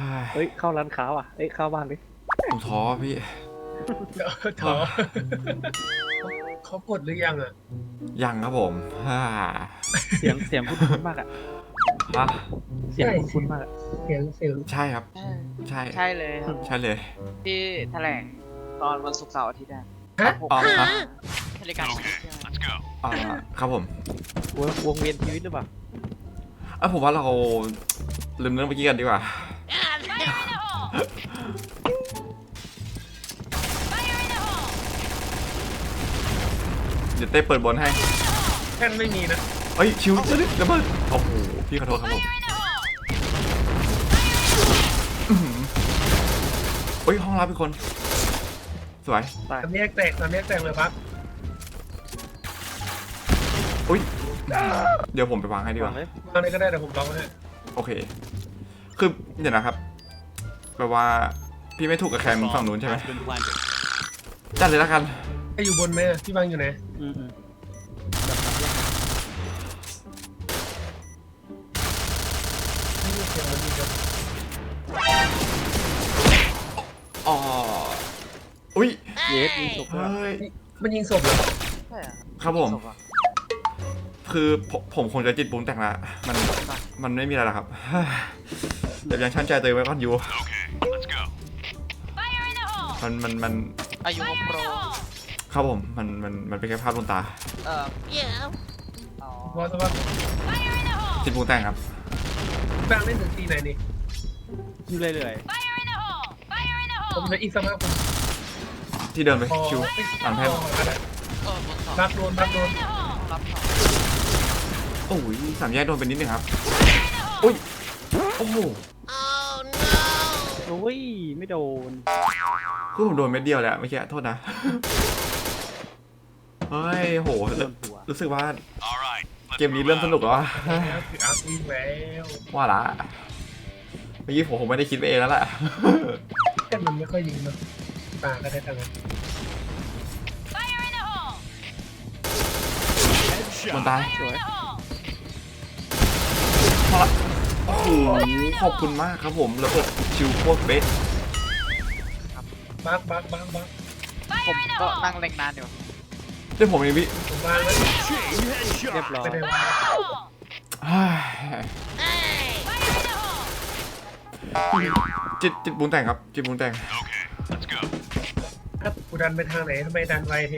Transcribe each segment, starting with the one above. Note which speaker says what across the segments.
Speaker 1: เฮ้ยเข้าร้านค้าว่ะเฮ้ยเข้าบ้านดิ
Speaker 2: ผมท้อพี่
Speaker 3: ท้อเขากดหรือยังอ่ะ
Speaker 2: ยังครับผม
Speaker 1: เสียงคุ้นๆมากอะ
Speaker 2: ฮะ
Speaker 1: เสียงคุ้นๆมากอะ
Speaker 3: เสียง
Speaker 2: ใช่ครับ ใช่
Speaker 4: ใช่เลยครับ
Speaker 2: ใช่เลย
Speaker 4: ที่แถลงตอนวันศุกร์เสาร์อาทิตย์นะ
Speaker 3: ฮะ
Speaker 2: อ๋อฮะ
Speaker 4: รายการของ
Speaker 2: อ่าครับผม
Speaker 1: วงเวียนชีวิตหรือเปล่า
Speaker 2: ผมว่าเราลืมเรื่องเมื่อกี้กันดีกว่า เดี๋ยวเต้เปิดบอลให้
Speaker 3: แค่นไม่มีนะ
Speaker 2: เฮ้ยชิวระเบิดโอ้โหพี่ขอโทษครับผมเฮ้ยห้องรับเป็นคนสวย
Speaker 1: ตาย
Speaker 3: ทำแยกแตกเลยครับ
Speaker 2: อุ้ยเดี๋ยวผมไปวางให้ดีก
Speaker 1: วา
Speaker 2: ว่าง
Speaker 3: วางเลยก็ได้แต่ผมลองให้
Speaker 2: โอเคคือเดี๋ยวนะครับแปลว่าพี่ไม่ถูกกับแคมฝั่งนู้นใช่ไหมจัดเลยแล้วกัน
Speaker 3: ไออยู่บนไหมพี่วางอยู่ไหน
Speaker 1: อืม
Speaker 3: ไม่มีเสียงมันดีครับ
Speaker 2: อ๋ออุ้ย
Speaker 1: เยสมีศพด้วย
Speaker 2: เฮ้ย
Speaker 3: มันยิงศพเหรอ
Speaker 4: ใช่เหรอ
Speaker 2: ครับผม
Speaker 4: ศพอะ
Speaker 2: คือผมคงจะจิตปรุงแต่งละมันไม่มีอะไรหรอกครับเดี๋ยวยังชั่นใจตัวเองไว้ก่อนอยู่มัน
Speaker 4: อายุโปร
Speaker 2: ครับผมมันเป็นแค่ภาพลวงตา
Speaker 4: อ๋อ
Speaker 3: ว่าแต่ว่า
Speaker 2: จิตปรุงแต่งครับ
Speaker 3: วางเล่นถึงทีไหนนี่
Speaker 1: อยู่เรื่อย
Speaker 3: ผมจะอีกสักพักผม
Speaker 2: ที่เดินไป
Speaker 3: พอ
Speaker 2: ชิวหลังแพทย์
Speaker 4: บนสอง
Speaker 3: บักโดน
Speaker 4: รับสอง
Speaker 2: โอ้ยสามแยกโดนไปนิดนึงครับอุ้ยโอ้โห
Speaker 1: ๆโอ้ยไม่โดน
Speaker 2: คือผมโดนเม็ดเดียวแหละเมื่อกี้โทษนะเฮ้ยโห
Speaker 1: โดนหัว
Speaker 2: รู้สึกว่าเกมนี้เริ่มสนุกแล้ว
Speaker 3: แล้วคืออัพวิ่งแล้ว
Speaker 2: ว่าละเมื่อกี้ผมคงไม่ได้คิดไปเองแล้วแหละ
Speaker 3: แค่มันไม่ค่อยยิงนะปาก็ได้ทั้งนั้น
Speaker 2: มันตาย
Speaker 1: สวย
Speaker 2: พอละโอ้โหขอบคุณมากครับผมระเบิดชิวโคตรเบส
Speaker 3: บัก
Speaker 4: ผมก็นั่งเล็งนานอยู่
Speaker 2: เดี๋ยวผมเองพี่
Speaker 3: ผมวางแล้ว
Speaker 1: เรียบร้อย
Speaker 3: ไม่ได้วาง
Speaker 2: เฮ้ยจิตปรุงแต่งครับจิตปรุงแต่ง
Speaker 3: ครับกูดันไปทางไหนทำไมดันไวเท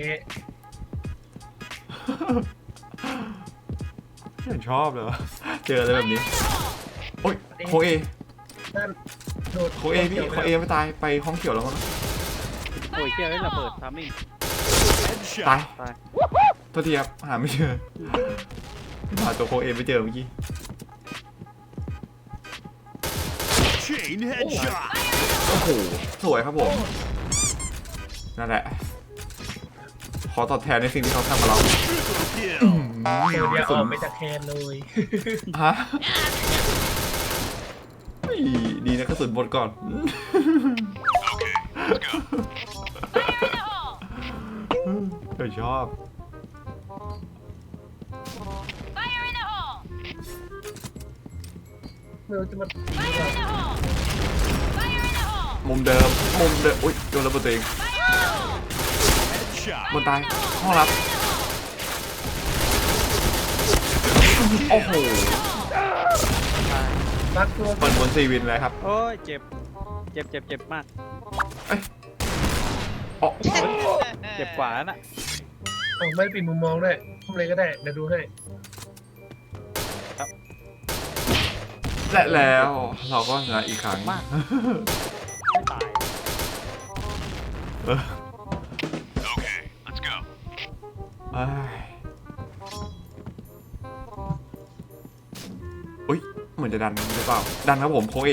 Speaker 2: ไม่ชอบเลยวะเจออะไรแบบนี้โอ้ยโคเอ
Speaker 3: นั่นโดด
Speaker 2: โคเอพี่โคเอไม่ตายไปห้องเขียวแล้วมั้ง
Speaker 1: โอ้ยเจ้าระเบิดทำมิ่ง
Speaker 2: ตาย
Speaker 1: ตาย
Speaker 2: โทษทีครับหาไม่เจอหาตัวโคเอไม่เจอเมื่อกี้
Speaker 5: Chain headshot.
Speaker 2: โอ้โหสวยครับผมนั่นแหละขอตอบแทนในสิ่งที่เขาทำกับเรา
Speaker 5: Kill.
Speaker 3: เดี๋ยวออกไปจากแคนเลย
Speaker 2: ฮะเฮ้ยดีนะกระสุนหมดก่อนเดี๋ยวชอบ
Speaker 3: ไม่รู้จะมาตี
Speaker 2: มุมเดิมอุ้ยโดนระเบิดตัวเอง
Speaker 5: Headshot.
Speaker 2: บนตายห้องรับโอ้โห
Speaker 3: บักตัว
Speaker 2: เปิดบนซีวินเลยครับ
Speaker 1: โอ้ยเจ็บมาก
Speaker 2: อ๋อ
Speaker 1: เจ็บกว่าน่ะ
Speaker 3: ไม่ปิดมุมมองด้วยทำอะไรก็ได้เดี๋ยวดูให้
Speaker 2: และแล้วเราก็ชนะอีกครั้ง
Speaker 1: มาก ไม่ตาย
Speaker 2: เออ
Speaker 5: Okay, let's go.
Speaker 2: เอ้ยอุ้ยเหมือนจะดันหรือเปล่าดันครับผมโคเอ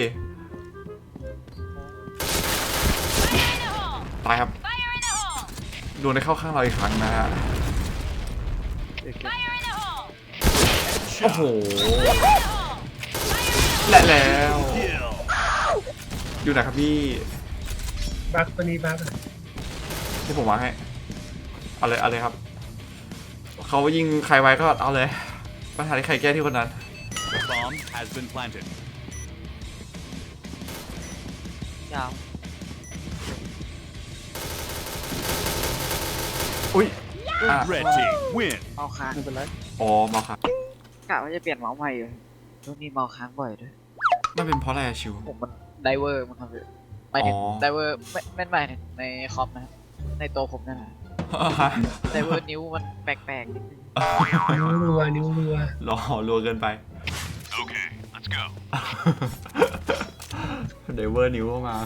Speaker 2: ตายครับโดนได้เข้าข้างเราอีกครั้งนะฮะ
Speaker 1: เจ็บ
Speaker 2: โอ้โห
Speaker 5: Headshot.
Speaker 2: และแล้ว
Speaker 5: Kill.
Speaker 2: อยู่ไหนครับพี่
Speaker 3: บักตัวนี้บัก
Speaker 2: ที่ผมวางให้เอาเลยครับเขายิงใครไว้ก็เอาเลยปัญหาที่ใครแก้ที่คนนั้น
Speaker 5: The bomb has been planted.
Speaker 4: ยาว
Speaker 2: อุ้ยอ่ะ
Speaker 5: Red team win.
Speaker 4: เมาค้าง
Speaker 1: ไม่เป็นไร
Speaker 2: อ๋อมาครับ
Speaker 4: กะว่าจะเปลี่ยนเมาส์ใหม่อยู่ช่วงนี้เมาค้างบ่อยด้วย
Speaker 2: มันเป็นเพราะอะไรอะชิว
Speaker 4: ผมมันไดเวอร์มันครับพี่หมายถึง
Speaker 2: อ๋อ
Speaker 4: ไดเวอร์ไม่หมายถึงในคอมนะครับในตัวผมนั่นแหละไดเวอร์นิ้วมันแปลกๆนิดนึง
Speaker 3: นิ้วรัวนิ้วรัว
Speaker 2: รอรัวเกินไป
Speaker 5: Okay, let's go.
Speaker 2: เดเวอร์นิ้วเข้ามา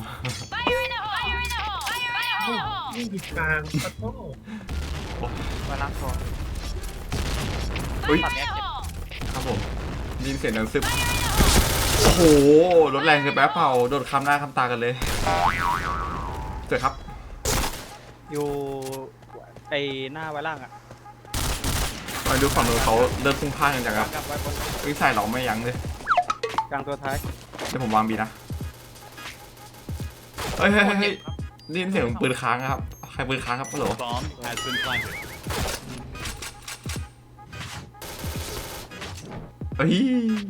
Speaker 3: นี่ผิดทางขอโทษ
Speaker 4: มาล้างคอ
Speaker 2: อุ้ย
Speaker 4: ตอนเนี้ยเจ็บ
Speaker 2: ครับผมได้ยินเสียงดังซึบโอ้โหรถแรงเกินไปเปล่าโดนคำหน้าคำตากันเลยเจอครับ
Speaker 1: อยู่ไอหน้าไว้ล่างอ่ะ
Speaker 2: มาดูฝั่งนู้นเขาเดินพุ่งพลาดกันจังครับ
Speaker 1: กลับไว้บน
Speaker 2: วิ่งใส่เราไม่ยั้งเลย
Speaker 1: กลางตัวท้าย
Speaker 2: เดี๋ยวผมวางบีนะเฮ้ยเฮ้ยเฮ้ยเฮ้ยได้ยินเสียงปืนค้างครับใครปืนค้างครับฮัลโหล
Speaker 5: Bomb has been planted.
Speaker 2: เฮ้ย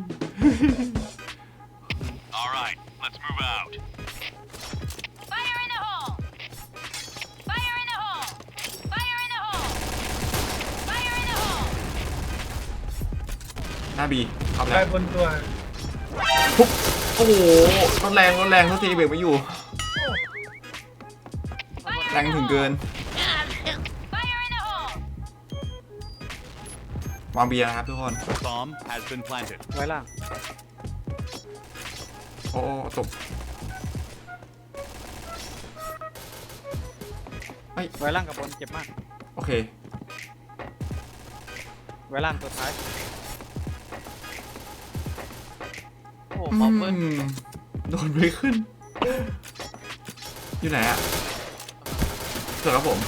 Speaker 5: All right, let's move out.
Speaker 2: หน้าบีครับ
Speaker 3: ไป
Speaker 2: แล้ว
Speaker 3: บนตัว
Speaker 2: ปุ๊บโอ้โหรถแรงทุกทีเบรกไม่อยู่แรงถึงเกินวางบีนะครับทุกคน
Speaker 5: Bomb has been planted.
Speaker 1: ไว้ล่าง
Speaker 2: โอ้ตก
Speaker 1: ไว้ล่างกับบนเจ็บมาก
Speaker 2: โอเค
Speaker 1: ไว้ล่างตัวท้าย
Speaker 4: โอ้โหเมาส์เบิ้ล
Speaker 2: โดนไม่ขึ้น อยู่ไหนอะเจอครับผม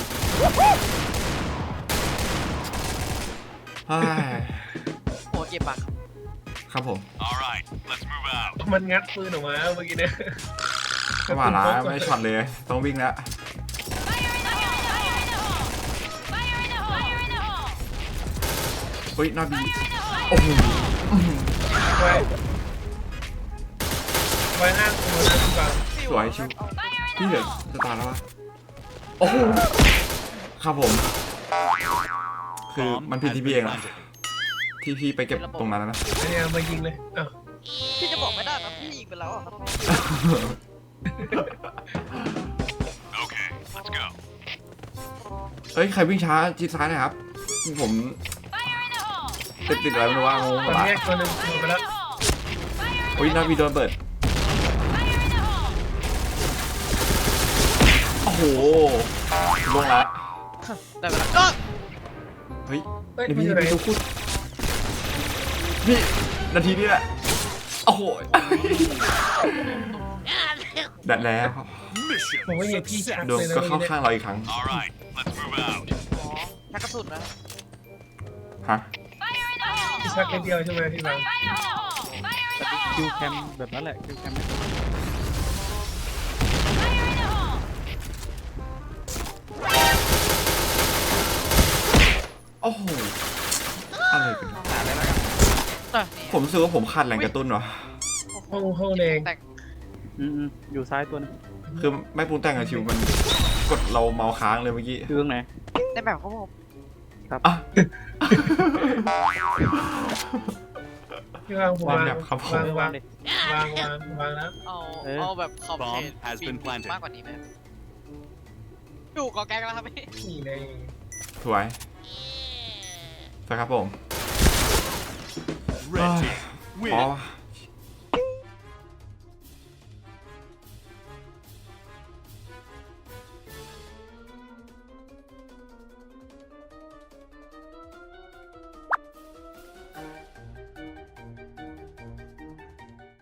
Speaker 2: เฮ้ย
Speaker 4: โอ้เจ็บปากครับ
Speaker 2: ครับผม
Speaker 5: All right, let's move out.
Speaker 3: มันงัดปืนออกมาเมื่อกี้เนี่ย
Speaker 2: จังหวะละไม่ได้ช็อตเลย ต้องวิ่งแล้วเฮ้ยหน้าบีโอ้โห
Speaker 3: ไว้ไว้หน้าตัวนะพี่บัง
Speaker 2: สวยชิวพี่เหลือจะตายแล้ววะโอ้โหครับผม คือ
Speaker 5: Bomb
Speaker 2: มันผิด
Speaker 5: has
Speaker 2: ที่
Speaker 5: been
Speaker 2: พี่เองนะ
Speaker 5: planted.
Speaker 2: ที่พี่ไปเก็บตรงนั้นนะ
Speaker 3: อันนี้เอามายิงเลยอ้าว
Speaker 4: พี่จะบอกไม่ได้นะพี่ยิงไปแล้วอะครับ
Speaker 5: Okay, let's go.
Speaker 2: เฮ้ย ใครวิ่งช้าชิดซ้ายหนะครับ ผมติดอะไรไม่รู้ว่างง
Speaker 3: ตอน
Speaker 2: ปะ
Speaker 3: นี้ตัวหนึงหมดไปแล้ว
Speaker 2: โอ้ยหน้าบีโดนเปิด โอ้โหลงละ
Speaker 4: ได้เวลาก็
Speaker 2: เฮ้ย
Speaker 3: เฮ้ย
Speaker 2: เดี๋ยว
Speaker 3: มัน
Speaker 2: พี่
Speaker 3: อยู่ไหน
Speaker 2: พี่ต้องพูดพี่นาทีนี้แหละ โอ้โหดัดแล้ว
Speaker 5: Mission
Speaker 3: ผมว่าอย่าพี่ชัก
Speaker 2: ดวง
Speaker 3: เลยนะ
Speaker 2: ก็เข้า
Speaker 3: เมื่อกี้
Speaker 2: ข้างเราอีกครั้ง
Speaker 5: All right, let's move out.
Speaker 4: อ๋อชักกระสุนนะ
Speaker 2: ฮะ
Speaker 3: พี่ชักนิดเดียวใช่ไหมพี่บัง
Speaker 1: คิวแคมแบบนั้นแหละคิวแคมไม่ตรง
Speaker 2: โอ้โห อะไรกัน
Speaker 4: หาอะไรแล้วกันนี่
Speaker 2: ผมรู้สึกว่าผมขาดแรงกระตุ้นวะ
Speaker 3: ห้องแดง
Speaker 4: แต่ง
Speaker 1: อยู่ซ้ายตัวนึง
Speaker 2: คือไม่ปรุงแต่งกับชิวมันกดเราเมาส์ค้างเลยเมื่อกี้
Speaker 1: คือตรงไหน
Speaker 4: ในแบบเขาบอก
Speaker 2: อ่ะ
Speaker 3: พี่บังผม
Speaker 2: วาง
Speaker 3: วาง
Speaker 2: แบบครับผม
Speaker 3: วาง
Speaker 1: วางดิ
Speaker 3: วางแล้ว
Speaker 4: เอาแบบขอบเข
Speaker 5: Bomb
Speaker 4: ต
Speaker 5: has been
Speaker 4: ปี
Speaker 5: planted.
Speaker 4: มากกว่านี้ไหมครับอยู่กอแก๊กแล้วครับพี่
Speaker 3: นี่ใน
Speaker 2: สวยสวยครับผม
Speaker 5: Red team
Speaker 2: อ๋อ
Speaker 5: win.